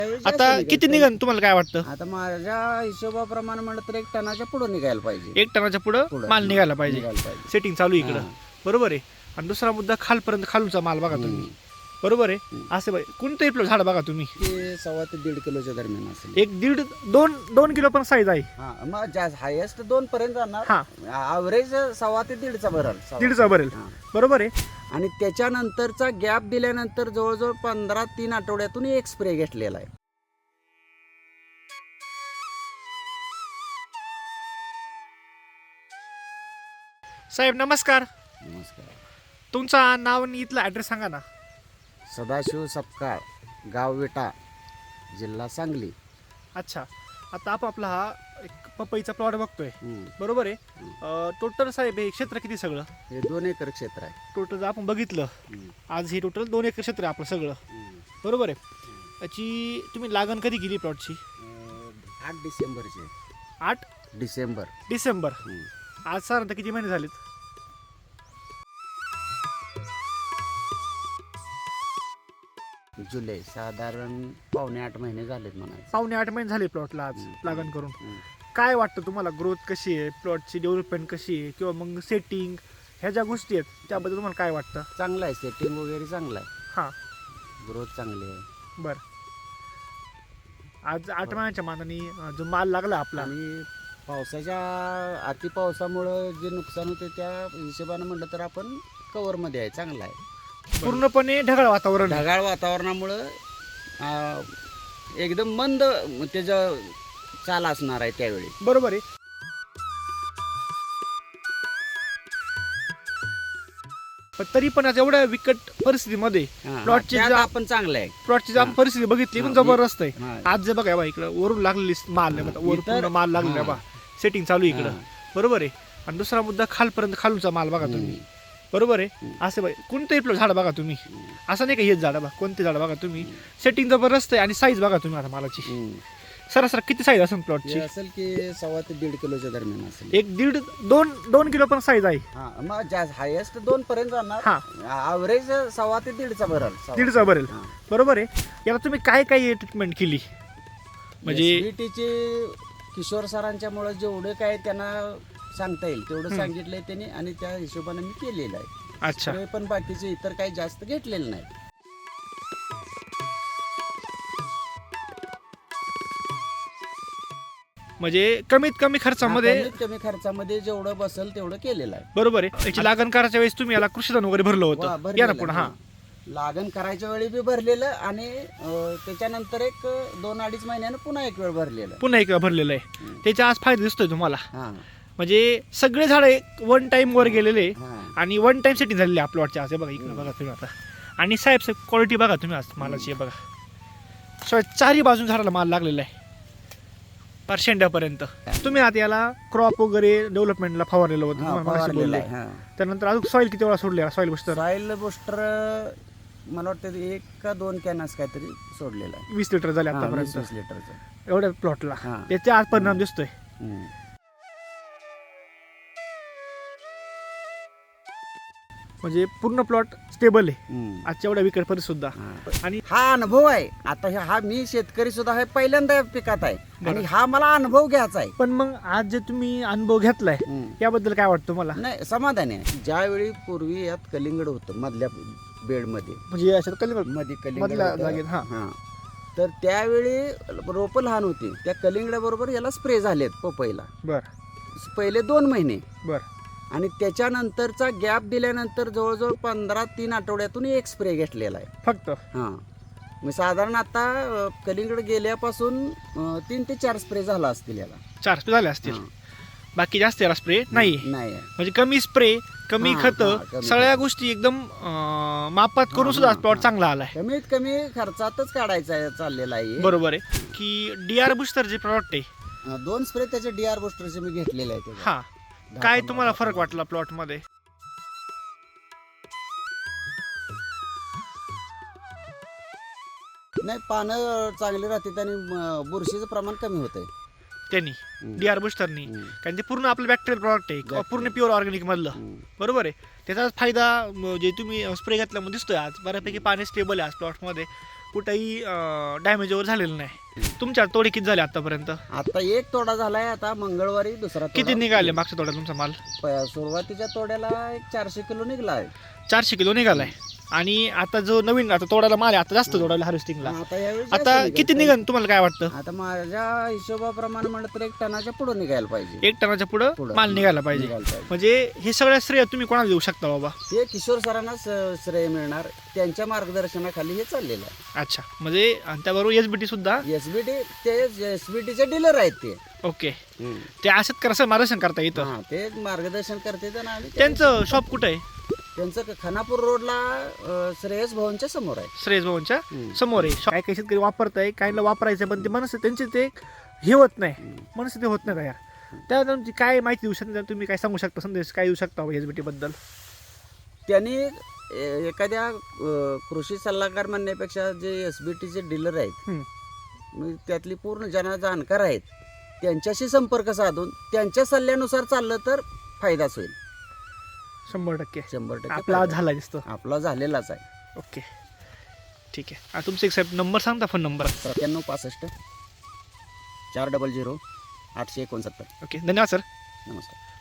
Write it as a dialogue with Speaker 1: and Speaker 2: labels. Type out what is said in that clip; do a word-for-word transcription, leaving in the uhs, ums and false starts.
Speaker 1: आता किती निघन तुम्हाला काय वाटतं?
Speaker 2: आता माझ्या हिशोबाप्रमाणे म्हणलं तर एक टनाच्या पुढे निघायला पाहिजे.
Speaker 1: एक टनाच्या पुढं
Speaker 2: पुढं.
Speaker 1: माल निघायला पाहिजे.
Speaker 2: निघायला पाहिजे.
Speaker 1: सेटिंग चालू आहे इकडं,
Speaker 2: हां.
Speaker 1: बरोबर आहे. आणि दुसरा मुद्दा खालपर्यंत खालूचा माल बघा तुम्ही, बरोबर आहे. असे बाई कोणतंही आपलं झाड बघा तुम्ही,
Speaker 2: ते सव्वा ते दीड किलोच्या दरम्यान असेल.
Speaker 1: एक दीड दोन दोन किलो पण साईज आहे.
Speaker 2: हा मग जास्त हायेस्ट दोन पर्यंत जाणार.
Speaker 1: हा,
Speaker 2: ॲव्हरेज सव्वा ते दीडचा भराल. सव्वा.
Speaker 1: दीडचा भरेल,
Speaker 2: हा.
Speaker 1: बरोबर आहे.
Speaker 2: आणि त्याच्यानंतरचा गॅप दिल्यानंतर जवळजवळ पंधरा तीन आठवड्यातून एक स्प्रे घेतलेला आहे.
Speaker 1: साहेब नमस्कार,
Speaker 2: नमस्कार.
Speaker 1: तुमचा नाव आणि इथला ॲड्रेस सांगा ना.
Speaker 2: सदाशिव सपकाळ, गाव विटा, जिल्हा सांगली.
Speaker 1: अच्छा, आता आपण आपला हा एक पपईचा प्लॉट बघतोय,
Speaker 2: हम्म.
Speaker 1: बरोबर आहे. टोटल साहेब हे क्षेत्र किती सगळं?
Speaker 2: हे दोन एकर क्षेत्र आहे.
Speaker 1: टोटल जर आपण बघितलं
Speaker 2: हम्म.
Speaker 1: आज हे टोटल दोन एकर क्षेत्र आहे आपलं सगळं,
Speaker 2: हम्म.
Speaker 1: बरोबर आहे. याची तुम्ही लागण कधी केली प्लॉटची?
Speaker 2: अं, आठ डिसेंबरचे.
Speaker 1: आठ
Speaker 2: डिसेंबर.
Speaker 1: डिसेंबर.
Speaker 2: हम्म.
Speaker 1: आज साधारणतः किती महिने झालेत?
Speaker 2: जुलै, साधारण पावणे आठ महिने झालेत म्हणायचं.
Speaker 1: पावणे आठ महिने झाले प्लॉटला आज
Speaker 2: हम्म.
Speaker 1: लागण करून.
Speaker 2: हम्म.
Speaker 1: काय वाटतं तुम्हाला, ग्रोथ कशी आहे, प्लॉटची डेव्हलपमेंट कशी आहे, किंवा मग सेटिंग ह्या ज्या गोष्टी आहेत त्याबद्दल तुम्हाला काय वाटतं?
Speaker 2: चांगलं आहे, सेटिंग वगैरे चांगलं आहे,
Speaker 1: हां,
Speaker 2: ग्रोथ चांगली आहे.
Speaker 1: बरं. आज आठ महिन्याच्या मानाने अं, जो माल लागला आपला,
Speaker 2: आणि पावसाच्या अति पावसामुळं जे नुकसान होते त्या हिशोबानं म्हटलं तर आपण कव्हरमध्ये आहे, चांगला आहे.
Speaker 1: पूर्णपणे ढगाळ वातावरण आहे.
Speaker 2: ढगाळ वातावरणामुळं अं, एकदम मंद त्याचं चाल असणार आहे त्यावेळी.
Speaker 1: बरोबर आहे. पण तरी पण आज एवढ्या विकट परिस्थितीमध्ये
Speaker 2: हां,
Speaker 1: प्लॉटची
Speaker 2: त्यात
Speaker 1: जा-
Speaker 2: आपण चांगलं आहे.
Speaker 1: प्लॉटची जर आपण
Speaker 2: हां.
Speaker 1: परिस्थिती बघितली पण
Speaker 2: हां,
Speaker 1: जबरदस्त आहे.
Speaker 2: हां.
Speaker 1: आज जे बघा बा इकडं वरून लागलेली माल नाही,
Speaker 2: हां,
Speaker 1: बघा, वर
Speaker 2: इतर-
Speaker 1: पूर्ण माल लागलेला
Speaker 2: हां.
Speaker 1: बा, सेटिंग चालू आहे इकडं,
Speaker 2: हां.
Speaker 1: बरोबर आहे. आणि दुसरा मुद्दा खालपर्यंत खालूचा माल बघा तुम्ही, बरोबर आहे.
Speaker 2: हम्म.
Speaker 1: असे बाई कोणतंही आपलं झाड बघा तुम्ही,
Speaker 2: हम्म.
Speaker 1: असं नाही का हेच झाड बघा, कोणते झाड बघा तुम्ही, सेटिंग जबरदस्त आहे. आणि साईज बघा तुम्ही आता मालाची,
Speaker 2: हम्म.
Speaker 1: सरासर किती साईज असेल
Speaker 2: हे
Speaker 1: प्लॉटची?
Speaker 2: असेल की सव्वा ते दीड किलोच्या दरम्यान असेल.
Speaker 1: एक दीड दोन दोन किलो पण साईज आहे.
Speaker 2: हा मग जास्त हायेस्ट दोन पर्यंत जाणार.
Speaker 1: हा.
Speaker 2: ॲव्हरेज सव्वा ते दीडचा भराल. सव्वा.
Speaker 1: दीडचा भरेल,
Speaker 2: हा.
Speaker 1: बरोबर आहे. याला तुम्ही काय काय ट्रीटमेंट केली? म्हणजे
Speaker 2: S B T चे किशोर सरांच्यामुळे जेवढं काय त्यांना सांगता येईल तेवढं
Speaker 1: हम्म.
Speaker 2: सांगितलंय त्यांनी, आणि त्या हिशोबाने मी केलेलं आहे.
Speaker 1: अच्छा,
Speaker 2: स्प्रे पण बाकीचे इतर काही जास्त घेतलेले नाही.
Speaker 1: म्हणजे कमीत कमी खर्चामध्ये,
Speaker 2: कमीत कमी खर्चामध्ये जेवढं बसेल तेवढं केलेलं आहे.
Speaker 1: बरोबर आहे. याची लागण करायच्या वेळेस तुम्ही याला कृषीधन वगैरे भरलं
Speaker 2: वा,
Speaker 1: होतं, या ना
Speaker 2: भरलेलं
Speaker 1: पुन्हा.
Speaker 2: आहे.
Speaker 1: हा,
Speaker 2: लागण करायच्या वेळी बी भरलेलं, आणि अं, त्याच्यानंतर एक दोन अडीच महिन्यानं पुन्हा एक वेळ भरलेलं.
Speaker 1: पुन्हा एक भरलेलं आहे.
Speaker 2: हम्म.
Speaker 1: त्याचा आज फायदा दिसतोय तुम्हाला.
Speaker 2: हा.
Speaker 1: म्हणजे सगळे झाड वन टाइम वर गेलेले
Speaker 2: हा.
Speaker 1: आणि वन टाइम सेटिंग झालेली आहे प्लॉटच्या. आज हे बघा इकडे बघा तुम्ही आता. आणि साहेब साहेब क्वालिटी बघा तुम्ही आज मालाची, हे बघा शिवाय चारही बाजून झाडाला माल लागलेला आहे पार शेंड्यापर्यंत. तुम्ही आता याला क्रॉप वगैरे डेव्हलपमेंटला फवारलेलं होतं,
Speaker 2: हा,
Speaker 1: तुम्हाला मगाशी
Speaker 2: फवारलेलं
Speaker 1: बोलले.
Speaker 2: आहे. हा.
Speaker 1: त्यानंतर अजून सॉईल किती वेळा सोडले? सॉईल बुस्टर
Speaker 2: सॉइल बुस्टर मला वाटतं एक का दोन कॅनस काहीतरी सोडलेला आहे.
Speaker 1: वीस लिटर झाले
Speaker 2: हा, वीस
Speaker 1: आतापर्यंत
Speaker 2: वीस लिटरचं.
Speaker 1: एवढ्या प्लॉटला.
Speaker 2: हा.
Speaker 1: त्याचा आज परिणाम दिसतोय.
Speaker 2: हम्म.
Speaker 1: म्हणजे पूर्ण प्लॉट स्टेबल आहे
Speaker 2: हम्म.
Speaker 1: आजच्या एवढ्या विकट परिस्थिती सुद्धा.
Speaker 2: हा.
Speaker 1: आणि
Speaker 2: हा अनुभव आहे. आता हे- हा मी शेतकरी सुद्धा हे पहिल्यांदा या पिकात आहे,
Speaker 1: बरं.
Speaker 2: आणि हा मला अनुभव घ्यायचा आहे.
Speaker 1: पण मग आज जे तुम्ही अनुभव घेतलाय
Speaker 2: हम्म.
Speaker 1: याबद्दल काय वाटतं तुम्हाला?
Speaker 2: नाही, समाधान आहे. ज्यावेळी पूर्वी यात कलिंगड होतं मधल्या बेडमध्ये,
Speaker 1: म्हणजे अशात कलिंगड
Speaker 2: मध्ये कलिंगड
Speaker 1: मधल्या
Speaker 2: होतं.
Speaker 1: जागेत, हा.
Speaker 2: हा. तर त्यावेळी रोपं लहान होती, त्या कलिंगडाबरोबर याला स्प्रे झालेत पपईला
Speaker 1: बर
Speaker 2: पहिले दोन महिने.
Speaker 1: बर
Speaker 2: आणि त्याच्यानंतरचा गॅप दिल्यानंतर जवळजवळ पंधरा तीन आठवड्यातून एक स्प्रे घेतलेला आहे.
Speaker 1: फक्त.
Speaker 2: हां, मी साधारण आता अ, कलिंगड गेल्यापासून अ, तीन ते चार स्प्रे झाला असतील याला.
Speaker 1: चार स्प्रे झाले असतील.
Speaker 2: हां.
Speaker 1: बाकी जास्त याला स्प्रे नाही.
Speaker 2: नाही आहे.
Speaker 1: म्हणजे कमी स्प्रे, कमी
Speaker 2: हां,
Speaker 1: खत,
Speaker 2: हां, कमी
Speaker 1: सगळ्या
Speaker 2: खतं.
Speaker 1: गोष्टी एकदम अं, मापात करून
Speaker 2: हां,
Speaker 1: सुद्धा
Speaker 2: हां,
Speaker 1: प्लॉट
Speaker 2: हां.
Speaker 1: चांगला आलाय.
Speaker 2: कमीत कमी खर्चातच काढायचा आहे, चाललेला आहे.
Speaker 1: बरोबर आहे की डी आर बुस्टर जे प्रॉडक्ट आहे,
Speaker 2: अ, दोन स्प्रे त्याचे डी आर बुस्टरचे मी घेतलेले आहे.
Speaker 1: हा, काय तुम्हाला फरक वाटला प्लॉट मध्ये?
Speaker 2: नाही, पानं चांगली राहतात आणि म, बुरशीचं प्रमाण कमी होतंय.
Speaker 1: त्यांनी
Speaker 2: हम्म.
Speaker 1: डी आर बुस्टरनी,
Speaker 2: हम्म.
Speaker 1: कारण ते पूर्ण आपलं बॅक्टेरियल प्रॉडक्ट आहे,
Speaker 2: Bacterial.
Speaker 1: पूर्ण प्युअर ऑर्गॅनिक मधलं.
Speaker 2: हम्म.
Speaker 1: बरोबर आहे. त्याचा फायदा म, जे तुम्ही स्प्रे घेतल्यामध्ये दिसतोय आज बऱ्यापैकी पाणी स्टेबल आहे आज प्लॉटमध्ये. कुठेही डॅमेज वगैरे झालेलं नाही. तुमच्या तोडे किती झाले आतापर्यंत?
Speaker 2: आता एक तोडा झालाय, आता मंगळवारी दुसरा तोडा.
Speaker 1: किती निघाले मागच्या तोड्यात तुमचा माल?
Speaker 2: प- सुरुवातीच्या तोड्याला एक चारशे किलो निघला आहे.
Speaker 1: चारशे किलो निघालाय. आणि आता जो नवीन आता तोडायला माल आहे, आता जास्त तोडायला हार्वेस्टिंगला,
Speaker 2: आता यावेळी जास्त
Speaker 1: आता
Speaker 2: निघेल.
Speaker 1: किती निघन तुम्हाला काय वाटतं?
Speaker 2: आता माझ्या हिशोबाप्रमाणे म्हणलं तर एक टनाच्या पुढे निघायला पाहिजे.
Speaker 1: एक टनाच्या पुढं
Speaker 2: पुढं.
Speaker 1: माल निघायला पाहिजे.
Speaker 2: निघायला पाहिजे.
Speaker 1: म्हणजे हे सगळं श्रेय तुम्ही कोणाला देऊ शकता बाबा?
Speaker 2: ते किशोर सरांना स- श्रेय मिळणार, त्यांच्या मार्गदर्शनाखाली हे चाललेलं आहे.
Speaker 1: अच्छा, म्हणजे आणि त्याबरोबर एस बी टी सुद्धा.
Speaker 2: एसबीटी ते एसबीटीचे डीलर आहेत ते.
Speaker 1: ओके, ते असत कसं मार्गदर्शन करता येतं.
Speaker 2: हा, ते मार्गदर्शन करते आणि आम्ही त्या-
Speaker 1: त्यांचं शॉप कुठं आहे?
Speaker 2: त्यांचं क- खानापूर रोडला अ, श्रेयस भवनच्या समोर आहे.
Speaker 1: श्रेयस भवनच्या
Speaker 2: हम्म.
Speaker 1: समोर आहे. काही काही शेतकरी वापरताय, काहींना वापरायचं पण ते मनस त्यांचे ते हे होत नाही, मनस ते होत नाही तयार. त्या तुमची काय माहिती देऊ शकता, तुम्ही काय सांगू शकता, संदेश काय देऊ शकता एस बी टी बद्दल?
Speaker 2: त्यांनी ए- एखाद्या अ, कृषी सल्लागार म्हणण्यापेक्षा जे एसबीटीचे डीलर आहेत,
Speaker 1: हम्म.
Speaker 2: म्हणजे त्यातली पूर्ण ज्यांना जाणकार आहेत, त्यांच्याशी संपर्क साधून त्यांच्या सल्ल्यानुसार चाललं तर फायदाच होईल.
Speaker 1: शंभर टक्के
Speaker 2: शंभर टक्के
Speaker 1: आपला
Speaker 2: फायदा.
Speaker 1: झाला दिसतो.
Speaker 2: आपला झालेलाच आहे.
Speaker 1: ओके, ठीक आहे. आता तुमचा एक साहेब नंबर सांगता, फोन नंबर.
Speaker 2: सत्त्याण्णव पासष्ट चार डबल झिरो आठशे एकोणसत्तर.
Speaker 1: ओके, धन्यवाद सर.
Speaker 2: नमस्कार.